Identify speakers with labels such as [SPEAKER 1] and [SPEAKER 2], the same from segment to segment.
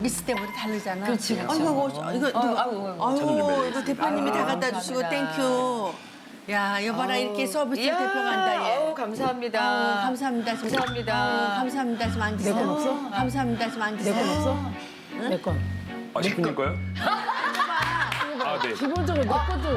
[SPEAKER 1] 서비스 때문에 다르잖아.
[SPEAKER 2] 그렇지, 그렇지.
[SPEAKER 1] 이거 대표님이 다 갖다 주시고 땡큐. 야, 여봐라 이렇게 서비스 대표 간다 얘.
[SPEAKER 2] 감사합니다.
[SPEAKER 1] 감사합니다.
[SPEAKER 2] 감사합니다.
[SPEAKER 1] 감사합니다. 좀 앉으세요.
[SPEAKER 3] 내건 없어?
[SPEAKER 1] 감사합니다. 좀 앉으세요.
[SPEAKER 3] 내 건 없어? 내 건.
[SPEAKER 4] 아, 시킬 거요? 아, 네.
[SPEAKER 3] 기본적으로 내 것도.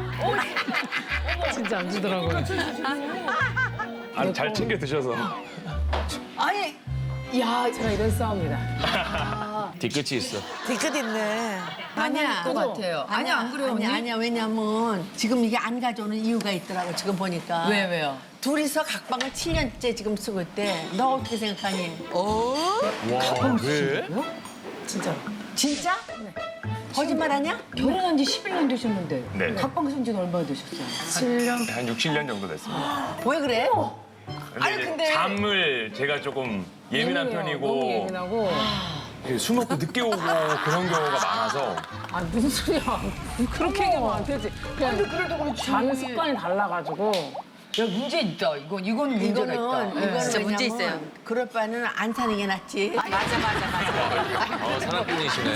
[SPEAKER 3] 진짜 안 주더라고요.
[SPEAKER 4] 아, 잘 챙겨 드셔서.
[SPEAKER 2] 아니,
[SPEAKER 3] 야, 제가 이런 싸움이다.
[SPEAKER 5] 뒤끝이 있어.
[SPEAKER 6] 뒤끝 있네.
[SPEAKER 1] 아니야.
[SPEAKER 2] 것 같아요. 아니, 안 그래요, 언니?
[SPEAKER 1] 아니야. 왜냐면 지금 이게 안 가져오는 이유가 있더라고. 지금 보니까.
[SPEAKER 2] 왜요?
[SPEAKER 1] 둘이서 각방을 7년째 지금 쓰고 있대. 너 어떻게 생각하니?
[SPEAKER 5] 와, 왜?
[SPEAKER 3] 진짜로.
[SPEAKER 1] 진짜? 거짓말하냐?
[SPEAKER 2] 결혼한 지 11년 되셨는데.
[SPEAKER 4] 네.
[SPEAKER 2] 각방 쓴 지는 얼마나 되셨어요?
[SPEAKER 3] 7년?
[SPEAKER 4] 한 6, 7년 정도 됐습니다.
[SPEAKER 1] 왜 그래?
[SPEAKER 4] 근데, 이제 잠을 제가 조금 예민한 편이고
[SPEAKER 3] 너무 예민하고.
[SPEAKER 4] 이렇게 술 먹고 늦게 오고 그런 경우가 많아서
[SPEAKER 3] 아, 무슨 소리야. 그렇게 얘기하면 안 되지. 그냥
[SPEAKER 2] 그래도 그렇지.
[SPEAKER 3] 자는 습관이 달라가지고.
[SPEAKER 2] 야, 문제 있다. 이거는 문제가 있다.
[SPEAKER 1] 이거는
[SPEAKER 2] 진짜 문제
[SPEAKER 1] 왜냐면
[SPEAKER 2] 있어요.
[SPEAKER 1] 그럴 바에는 안 사는 게 낫지.
[SPEAKER 5] 어, 사랑꾼이시네.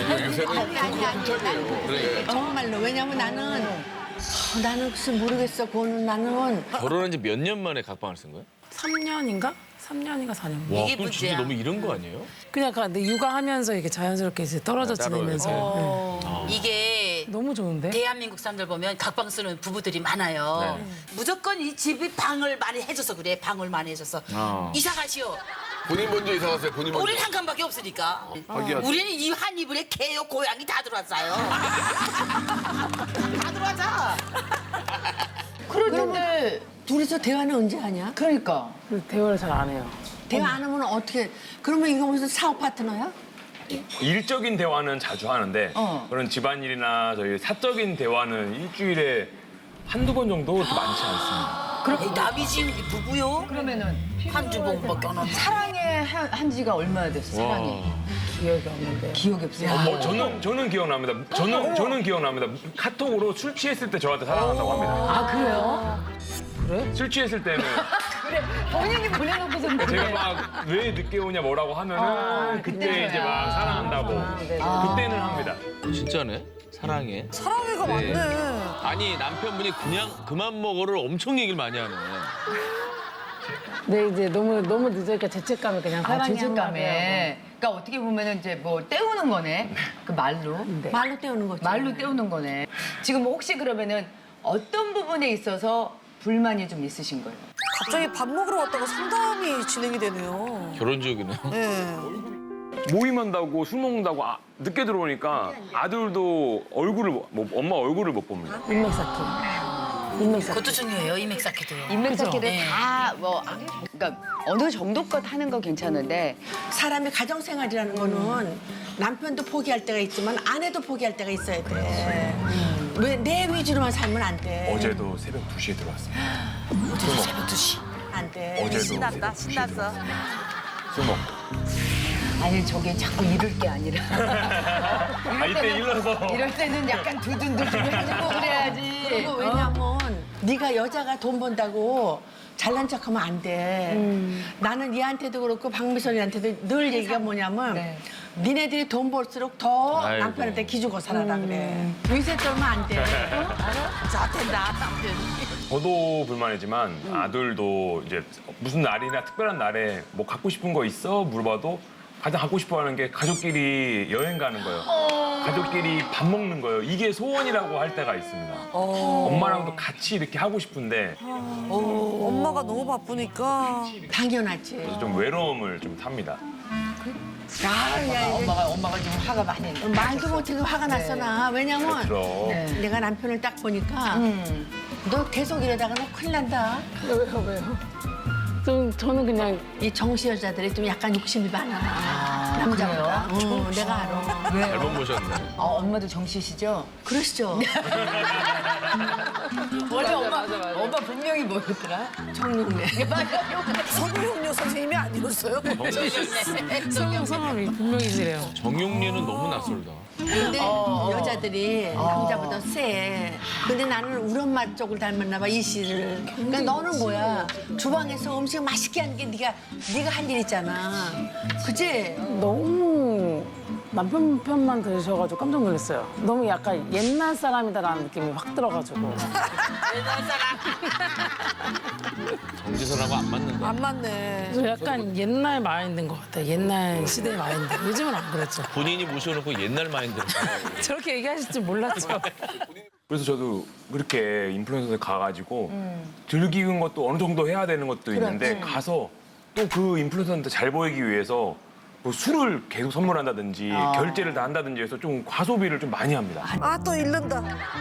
[SPEAKER 1] 아니. 정말로. 왜냐면 나는 글쎄 모르겠어. 그거는 나는
[SPEAKER 5] 결혼한 지 몇 년 만에 각방을 쓴 거야?
[SPEAKER 3] 3년인가? 3년인가 4년.
[SPEAKER 5] 와, 그럼 진짜 너무 이런 거 아니에요?
[SPEAKER 3] 그냥 근데 육아하면서 이렇게 자연스럽게 이제 떨어져
[SPEAKER 5] 따로
[SPEAKER 3] 지내면서. 네.
[SPEAKER 7] 이게
[SPEAKER 3] 너무 좋은데?
[SPEAKER 7] 대한민국 사람들 보면 각방 쓰는 부부들이 많아요. 무조건 이 집이 방을 많이 해줘서 그래. 방을 많이 해줘서. 이사 가시오.
[SPEAKER 8] 본인 먼저 이사 갔어요. 본인 먼저.
[SPEAKER 7] 우리는 한 칸밖에 없으니까.
[SPEAKER 8] 하기야.
[SPEAKER 7] 우리는 이 한 이불에 개요, 고양이 다 들어왔어요. 다 들어와자.
[SPEAKER 2] 그런데,
[SPEAKER 1] 둘이서 대화는 언제 하냐?
[SPEAKER 2] 그러니까.
[SPEAKER 3] 그래서 대화를 잘 안 해요.
[SPEAKER 1] 대화 안 하면 어떻게? 그러면 이거 무슨 사업 파트너야?
[SPEAKER 4] 일적인 대화는 자주 하는데 그런 집안일이나 저희 사적인 대화는 일주일에 한두 번 정도 많지 않습니다.
[SPEAKER 7] 그럼 남이 지은 게 부부요?
[SPEAKER 2] 그러면은
[SPEAKER 7] 한 주먹밖에 안 하는데.
[SPEAKER 2] 사랑에 한 지가 얼마나 됐어, 사랑이?
[SPEAKER 3] 기억이 없는데.
[SPEAKER 2] 기억이 없어요.
[SPEAKER 4] 저는 기억납니다. 저는 기억납니다. 카톡으로 술 취했을 때 저한테 사랑한다고 합니다.
[SPEAKER 2] 아, 그래요?
[SPEAKER 4] 술 취했을 때는
[SPEAKER 2] 본인이 보내놓고서
[SPEAKER 4] 제가 막 왜 늦게 오냐 뭐라고 하면은 그때 이제 막 사랑한다고
[SPEAKER 3] 네.
[SPEAKER 4] 그때는 합니다.
[SPEAKER 5] 진짜네? 사랑해.
[SPEAKER 6] 사랑해가
[SPEAKER 5] 네.
[SPEAKER 6] 많네.
[SPEAKER 5] 아니, 남편분이 그냥 그만 먹어를 엄청 얘기를 많이 하네.
[SPEAKER 3] 근데 이제 너무 늦으니까 죄책감이 그냥
[SPEAKER 2] 아,
[SPEAKER 3] 사랑해
[SPEAKER 2] 죄책감에. 그러니까 어떻게 보면은 이제 뭐 때우는 거네. 그 말로.
[SPEAKER 1] 말로 때우는 거지.
[SPEAKER 2] 말로 때우는 거네. 지금 혹시 그러면은 어떤 부분에 있어서 불만이 좀 있으신 거예요?
[SPEAKER 6] 갑자기 밥 먹으러 왔다가 상담이 진행이 되네요.
[SPEAKER 5] 결혼 지옥이네.
[SPEAKER 6] 네.
[SPEAKER 4] 모임한다고 술 먹는다고 늦게 들어오니까 아들도 얼굴을 엄마 얼굴을 못 봅니다.
[SPEAKER 3] 인맥 쌓기. 인맥 쌓기.
[SPEAKER 7] 그것도 중요해요, 이맥사키도요.
[SPEAKER 2] 인맥찾기를
[SPEAKER 7] 네.
[SPEAKER 2] 다 뭐, 그러니까 어느 정도껏 하는 건 괜찮은데
[SPEAKER 1] 사람의 가정생활이라는 거는 남편도 포기할 때가 있지만 아내도 포기할 때가 있어야 돼. 왜 내 위주로만 살면 안 돼.
[SPEAKER 4] 어제도 새벽 2시에 들어왔습니다.
[SPEAKER 7] 어제도 새벽 2시.
[SPEAKER 1] 안 돼.
[SPEAKER 4] 어제도
[SPEAKER 6] 신났다,
[SPEAKER 4] 새벽 2시에
[SPEAKER 6] 신났어.
[SPEAKER 4] 들어왔습니다. 술 먹고.
[SPEAKER 2] 아니 저게 자꾸 이럴 게 아니라
[SPEAKER 4] 이때 일러서
[SPEAKER 2] 이럴 때는 약간 두둔두둔 해주고 그래야지.
[SPEAKER 1] 그리고 왜냐면 네가 여자가 돈 번다고 잘난 척하면 안 돼. 나는 얘한테도 그렇고 박미선이한테도 늘 얘기가 뭐냐면
[SPEAKER 2] 네.
[SPEAKER 1] 니네들이 돈 벌수록 더
[SPEAKER 5] 아이고.
[SPEAKER 1] 남편한테 기주고 살아라 그래. 위세 떨면 안 돼.
[SPEAKER 6] 자, 된다, 남편.
[SPEAKER 4] 저도 불만이지만 아들도 이제 무슨 날이나 특별한 날에 뭐 갖고 싶은 거 있어? 물어봐도 가장 갖고 싶어 하는 게 가족끼리 여행 가는 거예요. 가족끼리 밥 먹는 거예요. 이게 소원이라고 할 때가 있습니다. 엄마랑도 같이 이렇게 하고 싶은데
[SPEAKER 6] 엄마가 너무 바쁘니까.
[SPEAKER 1] 당연하지.
[SPEAKER 4] 그래서 좀 외로움을 좀 탑니다.
[SPEAKER 2] 엄마가 지금 화가 많이 나.
[SPEAKER 1] 말도 못해도 화가 났어 나. 왜냐면
[SPEAKER 4] 그럼
[SPEAKER 1] 내가 남편을 딱 보니까 너 계속 이러다가 너 큰일 난다.
[SPEAKER 3] 왜요? 저는 그냥
[SPEAKER 1] 이 정시 여자들이 좀 약간 욕심이 많아. 남자보다. 내가 알아.
[SPEAKER 5] 잘못 보셨네.
[SPEAKER 2] 엄마도 정씨시죠?
[SPEAKER 1] 그러시죠?
[SPEAKER 2] 원래 엄마 분명히 뭐였더라?
[SPEAKER 1] 정육네.
[SPEAKER 6] 성룡료 선생님이 아니었어요?
[SPEAKER 3] 성함이 분명히시래요.
[SPEAKER 5] 정용리는 너무 낯설다.
[SPEAKER 1] 근데 여자들이 남자보다 세. 근데 나는 우리 엄마 쪽을 닮았나 봐, 이 씨를. 그러니까 너는 뭐야? 주방에서 음식 맛있게 하는 게 네가 할 일 있잖아. 그치?
[SPEAKER 3] 너무 남편 편만 들으셔가지고 깜짝 놀랐어요. 너무 약간 옛날 사람이다라는 느낌이 확 들어가지고.
[SPEAKER 5] 정지선하고 안 맞는다.
[SPEAKER 6] 안 맞네.
[SPEAKER 3] 그래서 약간 옛날 마인드인 것 같아요. 옛날 시대의 마인드. 요즘은 안 그렇죠.
[SPEAKER 5] 본인이 모셔놓고 옛날 마인드로.
[SPEAKER 3] 저렇게 얘기하실 줄 몰랐죠.
[SPEAKER 4] 그래서 저도 그렇게 인플루언서에 가가지고 즐기는 것도 어느 정도 해야 되는 것도 있는데 가서 또 그 인플루언서한테 잘 보이기 위해서 뭐 술을 계속 선물한다든지 결제를 다 한다든지 해서 좀 과소비를 좀 많이 합니다.
[SPEAKER 6] 아, 또 잃는다.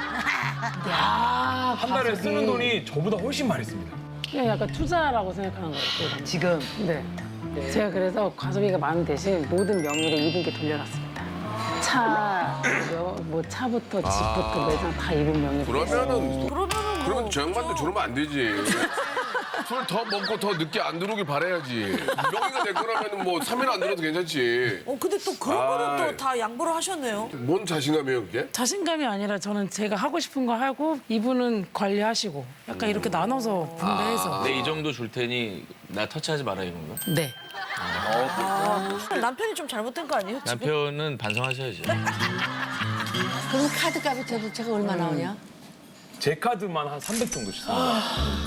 [SPEAKER 4] 한 달에 쓰는 돈이 저보다 훨씬 많이 씁니다.
[SPEAKER 3] 그냥 약간 투자라고 생각하는 거예요.
[SPEAKER 2] 지금
[SPEAKER 3] 네. 제가 그래서 과소비가 많은 대신 모든 명의를 2분께 돌려놨습니다. 뭐 차부터 집부터 매장 다 2분 명의로.
[SPEAKER 8] 그러면 저 양반도 저러면 안 되지. 술 더 먹고 더 늦게 안 들어오길 바라야지. 명의가 내 거라면 뭐 3일 안 들어도 괜찮지.
[SPEAKER 6] 근데 또 그런 거는
[SPEAKER 8] 아이.
[SPEAKER 6] 또 다 양보를 하셨네요.
[SPEAKER 8] 뭔 자신감이에요, 그게?
[SPEAKER 3] 자신감이 아니라 저는 제가 하고 싶은 거 하고 이분은 관리하시고 약간 이렇게 나눠서 분배해서.
[SPEAKER 5] 내 이 정도 줄 테니 나 터치하지 마라 이런 거.
[SPEAKER 3] 네.
[SPEAKER 6] 남편이 좀 잘못된 거 아니에요? 지금?
[SPEAKER 5] 남편은 반성하셔야지.
[SPEAKER 1] 그럼 카드값이 도대체가 얼마 나오냐?
[SPEAKER 4] 제 카드만 한 300 정도 씁니다.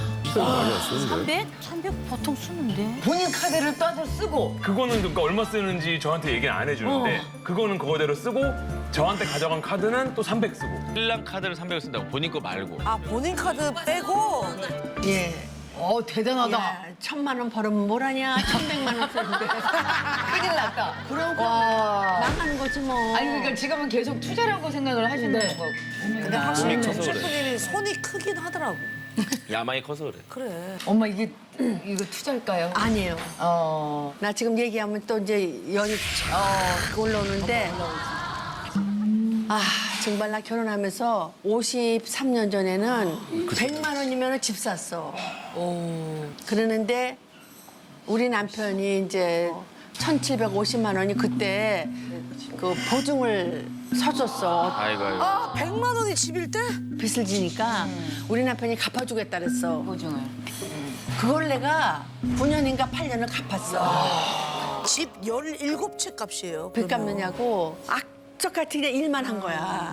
[SPEAKER 7] 300 보통 쓰는데.
[SPEAKER 2] 본인 카드를 따서 쓰고
[SPEAKER 4] 그거는 그러니까 얼마 쓰는지 저한테 얘기는 안 해주는데 그거는 그거대로 쓰고 저한테 가져간 카드는 또 300 쓰고.
[SPEAKER 5] 신랑 카드를 300을 쓴다고 본인 거 말고.
[SPEAKER 6] 아, 본인 카드 빼고.
[SPEAKER 1] 예.
[SPEAKER 2] 대단하다.
[SPEAKER 1] 야, 1,000만 원 벌으면 뭘 하냐? 1,100만 원 쓰는데.
[SPEAKER 2] 큰일 났다.
[SPEAKER 1] 그럼
[SPEAKER 2] 와.
[SPEAKER 1] 망하는 거지 뭐.
[SPEAKER 2] 아니 그러니까 지금은 계속 투자라고 생각을 하시는 거고.
[SPEAKER 6] 근데 확실히
[SPEAKER 5] 손이
[SPEAKER 6] 정
[SPEAKER 5] 커서 그래.
[SPEAKER 6] 셰프님이 손이 크긴 하더라고.
[SPEAKER 5] 야망이 커서 그래.
[SPEAKER 6] 그래.
[SPEAKER 2] 엄마 이거 투자일까요?
[SPEAKER 1] 아니에요.
[SPEAKER 2] 어.
[SPEAKER 1] 나 지금 얘기하면 또 이제 연이 올라오는데 아 정말 나 결혼하면서 53년 전에는 100만 원이면 집 샀어. 그러는데 우리 남편이 이제 1,750만 원이 그때 그 보증을 서줬어.
[SPEAKER 5] 아이고 아이고.
[SPEAKER 6] 아, 100만 원이 집일 때?
[SPEAKER 1] 빚을 지니까 우리 남편이 갚아주겠다 그랬어.
[SPEAKER 2] 보증을.
[SPEAKER 1] 그걸 내가 9년인가 8년을 갚았어.
[SPEAKER 6] 집 17채 값이에요.
[SPEAKER 1] 빚
[SPEAKER 6] 그러면.
[SPEAKER 1] 갚느냐고 악적같이 그냥 일만 한 거야.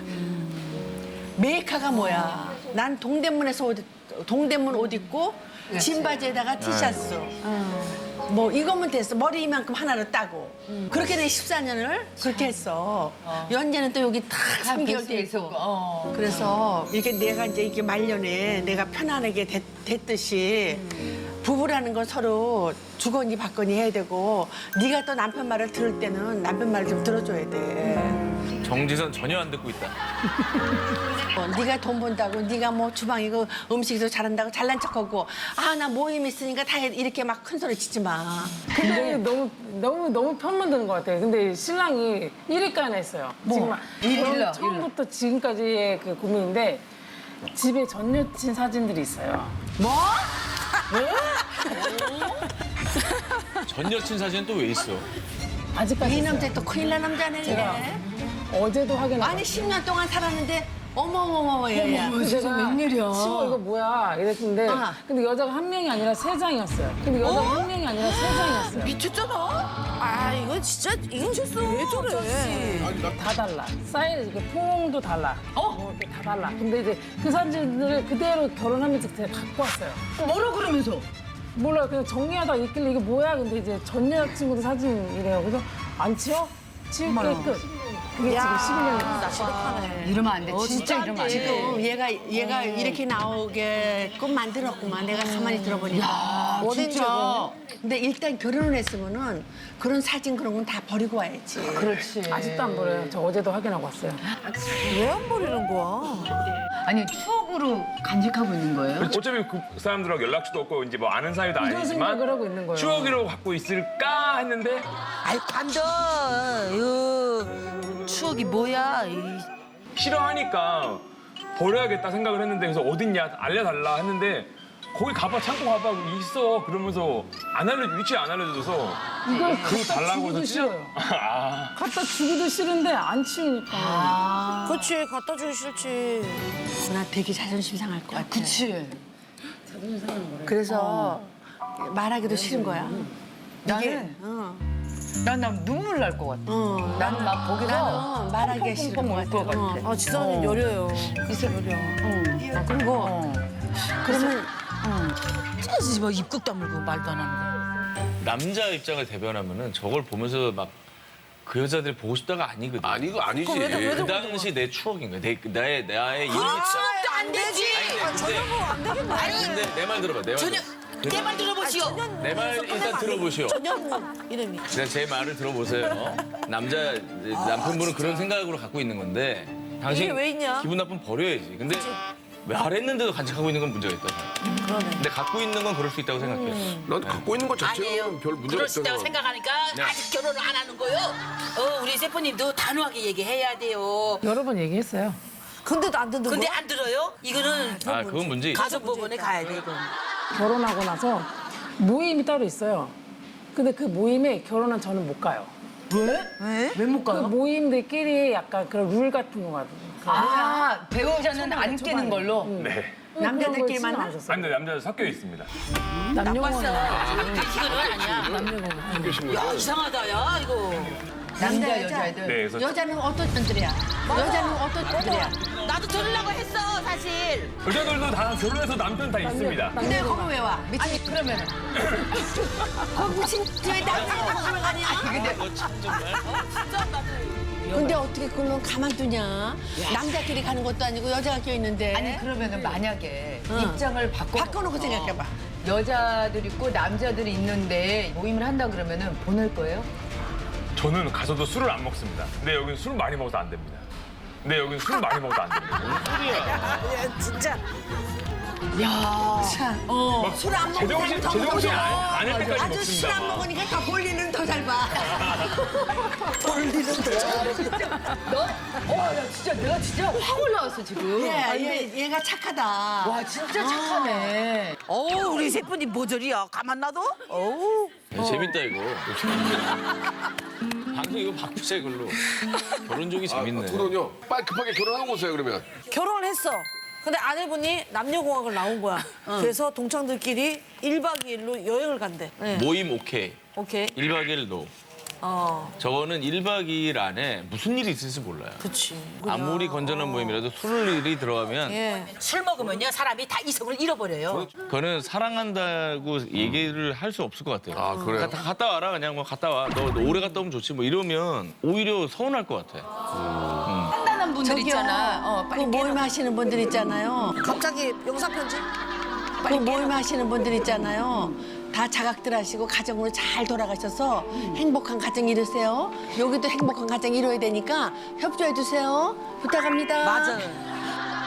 [SPEAKER 1] 메이커가 뭐야? 난 동대문 옷 입고 진바지에다가 티셔츠. 뭐 이거면 됐어. 머리 이만큼 하나로 따고. 그렇게 내 14년을 그렇게 했어. 연재는 또 여기 딱 3개월 돼 있고. 그래서 이렇게 내가 이제 이렇게 말년에 내가 편안하게 됐듯이 부부라는 건 서로 주거니 받거니 해야 되고 네가 또 남편 말을 들을 때는 남편 말을 좀 들어줘야 돼.
[SPEAKER 5] 정지선 전혀 안 듣고 있다.
[SPEAKER 1] 네가 돈 번다고 네가 뭐 주방이고 음식도 잘한다고 잘난 척하고 아 나 모임 있으니까 다 이렇게 막 큰 소리 치지 마.
[SPEAKER 3] 근데 너무 편만 드는 것 같아요. 근데 신랑이 1위까지 했어요. 지금
[SPEAKER 2] 일러,
[SPEAKER 3] 처음부터 지금까지의 그 고민인데 집에 전 여친 사진들이 있어요.
[SPEAKER 5] 전 여친 사진은 또 왜 있어?
[SPEAKER 3] 아직까지
[SPEAKER 1] 이
[SPEAKER 3] 있어요.
[SPEAKER 1] 남자 또 큰일 난 남자네.
[SPEAKER 3] 제가 어제도 확인하고
[SPEAKER 1] 아니 10년 동안 살았는데 어머머머머 얘야.
[SPEAKER 3] 제가
[SPEAKER 2] 웬일이야.
[SPEAKER 3] 치워 이거 뭐야 이랬는데
[SPEAKER 1] 아.
[SPEAKER 3] 근데 여자가 한 명이 아니라 3장이었어요. 근데 여자가 한 명이 아니라 3장이었어요.
[SPEAKER 6] 미쳤잖아. 아, 이건 진짜 이건 실수. 왜 저래?
[SPEAKER 3] 다 달라. 사이즈 이게 포옹도 달라. 이렇게 다 달라. 근데 이제 그 사진들을 그대로 결혼하면서 제가 갖고 왔어요.
[SPEAKER 2] 뭐라 그러면서?
[SPEAKER 3] 몰라요. 그냥 정리하다 있길래 이게 뭐야? 근데 이제 전 여자친구도 사진이래요. 그래서 안 치워? 치울게 끝. 그게 지금 11년이었어요.
[SPEAKER 6] 지독하네.
[SPEAKER 2] 이러면 안 돼. 진짜 이러면 안 돼.
[SPEAKER 1] 지금 얘가 이렇게 나오게끔 만들었구만. 내가 가만히 들어보니까.
[SPEAKER 2] 진짜.
[SPEAKER 1] 근데 일단 결혼을 했으면은 그런 사진 그런 건 다 버리고 와야지.
[SPEAKER 2] 그렇지.
[SPEAKER 3] 아직도 안 버려요. 저 어제도 확인하고 왔어요.
[SPEAKER 6] 왜 안 버리는 거야?
[SPEAKER 2] 아니 추억으로 간직하고 있는 거예요?
[SPEAKER 4] 어차피 그 사람들하고 연락처도 없고 이제 뭐 아는 사이도
[SPEAKER 3] 이런
[SPEAKER 4] 아니지만
[SPEAKER 3] 생각을 하고 있는 거예요.
[SPEAKER 4] 추억으로 갖고 있을까 했는데
[SPEAKER 7] 아이 관둬. 추억이 뭐야?
[SPEAKER 4] 싫어하니까 버려야겠다 생각을 했는데 그래서 어딨냐 알려달라 했는데 거기 가봐 창고 가봐 있어 그러면서 위치 안 알려줘서
[SPEAKER 3] 이걸
[SPEAKER 4] 그거
[SPEAKER 3] 갖다
[SPEAKER 4] 달라고
[SPEAKER 3] 주기도
[SPEAKER 4] 해서
[SPEAKER 3] 싫어요.
[SPEAKER 4] 아
[SPEAKER 3] 갖다 주기도 싫은데 안 치우니까.
[SPEAKER 6] 그렇지, 갖다 주기 싫지.
[SPEAKER 1] 나 되게 자존심 상할 것 같아.
[SPEAKER 2] 그치.
[SPEAKER 1] 그래서 말하기도 싫은 거야.
[SPEAKER 2] 나는 난 눈물 날 것 같아. 나는 막 거기서
[SPEAKER 1] 나는 말하기 싫을 것
[SPEAKER 2] 펑펑펑펑 울것
[SPEAKER 1] 같아.
[SPEAKER 2] 같아.
[SPEAKER 6] 아 지선이 여려요.
[SPEAKER 2] 그리고
[SPEAKER 1] 그러면
[SPEAKER 7] 쟤지 뭐 입국 다물고 말도 안 하는 거.
[SPEAKER 5] 남자 입장을 대변하면은 저걸 보면서 막 그 여자들이 보고 싶다가 아니거든.
[SPEAKER 8] 아니 이거 아니지.
[SPEAKER 5] 그 당시 내 추억인 거야. 나의 이름.
[SPEAKER 7] 추억도 안 되지.
[SPEAKER 5] 근데 내 말 들어봐. 내 말.
[SPEAKER 7] 전혀 내 말 들어보시오.
[SPEAKER 5] 내 말 일단 들어보시오.
[SPEAKER 6] 이름이.
[SPEAKER 5] 제 말을 들어보세요. 남편분은 그런 생각으로 갖고 있는 건데 당신
[SPEAKER 6] 이게 왜 있냐?
[SPEAKER 5] 기분 나쁘면 버려야지. 근데 말했는데도 간직하고 있는 건 문제가 있다. 근데 갖고 있는 건 그럴 수 있다고 생각해.
[SPEAKER 8] 난 갖고 있는 것 자체는
[SPEAKER 7] 아니에요.
[SPEAKER 8] 별 문제가
[SPEAKER 7] 그럴 수
[SPEAKER 8] 없잖아.
[SPEAKER 7] 있다고 생각하니까
[SPEAKER 5] 네.
[SPEAKER 7] 아직 결혼을 안 하는 거요. 우리 세포님도 단호하게 얘기해야 돼요.
[SPEAKER 3] 여러 번 얘기했어요.
[SPEAKER 6] 근데도 안 듣는
[SPEAKER 7] 근데
[SPEAKER 6] 거야?
[SPEAKER 7] 안 들어요? 이거는
[SPEAKER 5] 그건 문제 있어.
[SPEAKER 7] 가족법원에 가야 돼 이건.
[SPEAKER 3] 결혼하고 나서 모임이 따로 있어요. 근데 그 모임에 결혼한 저는 못 가요.
[SPEAKER 2] 왜 못
[SPEAKER 3] 그
[SPEAKER 2] 가요?
[SPEAKER 3] 모임들끼리 약간 그런 룰 같은 거가
[SPEAKER 2] 배우자는 안 끼는 걸로.
[SPEAKER 4] 네.
[SPEAKER 1] 남자들끼리 만나?
[SPEAKER 4] 아니, 근데 남자들 섞여 있습니다.
[SPEAKER 3] 남녀공원
[SPEAKER 7] 이거는 아니야. 야 이상하다 야 이거.
[SPEAKER 2] 남자 여자애들.
[SPEAKER 4] 네, 그래서
[SPEAKER 1] 여자는 어떤 분들이야? 여자는 어떤 분들이야?
[SPEAKER 7] 나도 들으려고 했어 사실.
[SPEAKER 4] 여자들도 다 결혼해서 남편 다 있습니다.
[SPEAKER 1] 근데 거기 왜 와?
[SPEAKER 2] 아니 그러면은
[SPEAKER 1] 거기 무슨 왜 남자가 거기 가냐? 근데 어떻게 그걸 가만두냐? 남자끼리 가는 것도 아니고 여자가 껴있는데.
[SPEAKER 2] 아니 그러면은 만약에
[SPEAKER 1] 응.
[SPEAKER 2] 입장을
[SPEAKER 1] 바꿔놓고 생각해봐.
[SPEAKER 2] 여자들 있고 남자들이 있는데 모임을 한다 그러면은 보낼 거예요?
[SPEAKER 4] 저는 가서도 술을 안 먹습니다. 근데 여기는 술 많이 먹어서 안 됩니다. 근데 여기는 술 많이 먹어서 안 됩니다.
[SPEAKER 6] 진짜.
[SPEAKER 1] 술 안 먹으면
[SPEAKER 4] 제정신 안할 때까지
[SPEAKER 1] 아주 술 안
[SPEAKER 4] 먹습니다.
[SPEAKER 1] 먹으니까 더 볼일은 더 잘 봐.
[SPEAKER 2] 나 진짜 내가 진짜 확 올라왔어 지금.
[SPEAKER 1] 얘가 착하다.
[SPEAKER 2] 와 진짜 착하네.
[SPEAKER 6] 우리 세분이 모조리야. 가만 놔둬? 어우.
[SPEAKER 5] 재밌다 이거. 방송 이거 바꾸자 이걸로. 결혼족이 재밌네.
[SPEAKER 8] 그럼요. 빨리 급하게 결혼하고 오세요 그러면.
[SPEAKER 6] 결혼을 했어. 근데 아내분이 남녀공학을 나온 거야. 그래서 동창들끼리 1박 2일로 여행을 간대. 네.
[SPEAKER 5] 모임 오케이.
[SPEAKER 6] 오케이.
[SPEAKER 5] 1박 2일 노.
[SPEAKER 6] 어,
[SPEAKER 5] 저거는 1박 2일 안에 무슨 일이 있을지 몰라요.
[SPEAKER 6] 그치.
[SPEAKER 5] 아무리 건전한 모임이라도 술 일이 들어가면
[SPEAKER 6] 예.
[SPEAKER 7] 술 먹으면요 사람이 다 이성을 잃어버려요.
[SPEAKER 5] 그거는 사랑한다고 얘기를 할 수 없을 것 같아요.
[SPEAKER 8] 아, 그래요?
[SPEAKER 5] 다 갔다 와라 그냥 뭐 갔다 와. 너 오래 갔다 오면 좋지 뭐 이러면 오히려 서운할 것 같아.
[SPEAKER 2] 판단한 분들 있잖아.
[SPEAKER 1] 그 모임 하시는 분들 있잖아요.
[SPEAKER 6] 갑자기 영상 편지?
[SPEAKER 1] 그 모임 하시는 분들 있잖아요. 다 자각들 하시고 가정으로 잘 돌아가셔서 행복한 가정 이루세요. 여기도 행복한 가정 이루어야 되니까 협조해 주세요. 부탁합니다.
[SPEAKER 6] 맞아요.